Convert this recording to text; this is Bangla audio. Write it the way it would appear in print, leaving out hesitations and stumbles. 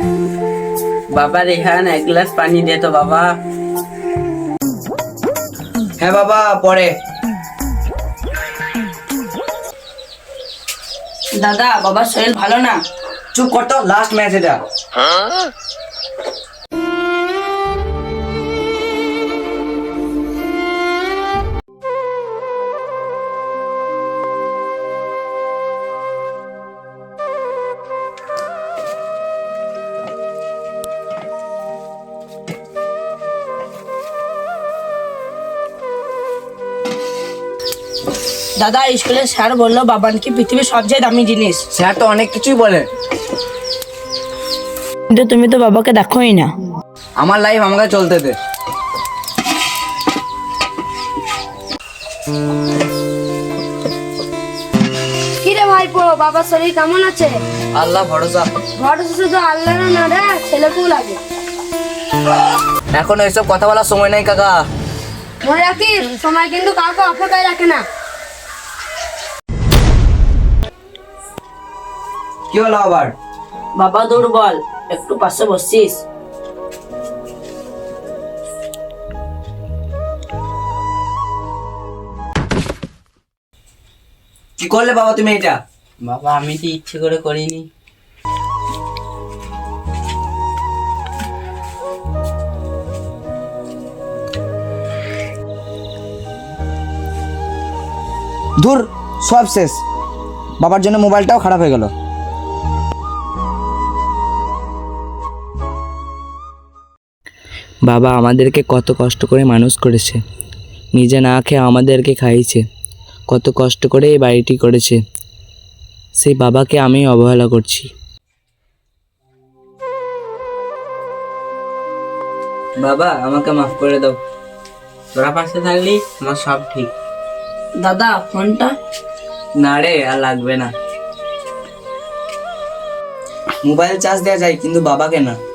বাবা রেহান এক গ্লাস পানি দে তো বাবা। হ্যাঁ বাবা, পরে। দাদা, বাবার শরীর ভালো না। চুপ কর তো, লাস্ট ম্যাচ এটা। দাদা, স্কুলে স্যার বললো বাবা নাকি পৃথিবীর সবচেয়ে দামি জিনিস। স্যার তো অনেক কিছুই বলে, কিন্তু তুমি তো বাবাকে দেখোই না। আমার লাইফ আমাকে চলতে দে। কি রে ভাইপো, বাবার শরীর কেমন আছে? আল্লাহ ভরসা। ভরসা শুধু আল্লাহর না রে, ছেলেকেও লাগে। এখন এইসব কথা বলার সময় নাই কাকা। মনে রাখিস, সময় কিন্তু কাউকে অপেক্ষায় রাখে না। কি হলো আবার? বাবা দুর্বল, একটু পাশে বসছিস? কি করলে বাবা তুমি এটা? বাবা আমি তো ইচ্ছে করে করিনি। ধুর, সব শেষ। বাবার জন্য মোবাইলটাও খারাপ হয়ে গেল। বাবা আমাদেরকে কত কষ্ট করে মানুষ করেছে, নিজে না খেয়ে আমাদেরকে খাইয়েছে, কত কষ্ট করে এই বাড়িটি করেছে। সেই বাবাকে আমি অবহেলা করছি। বাবা আমাকে মাফ করে দাও, তোরা পাশে থাকলি আমার সব ঠিক। দাদা, ফোনটা? না রে, আর লাগবে না। মোবাইল চার্জ দেওয়া যায়, কিন্তু বাবাকে না।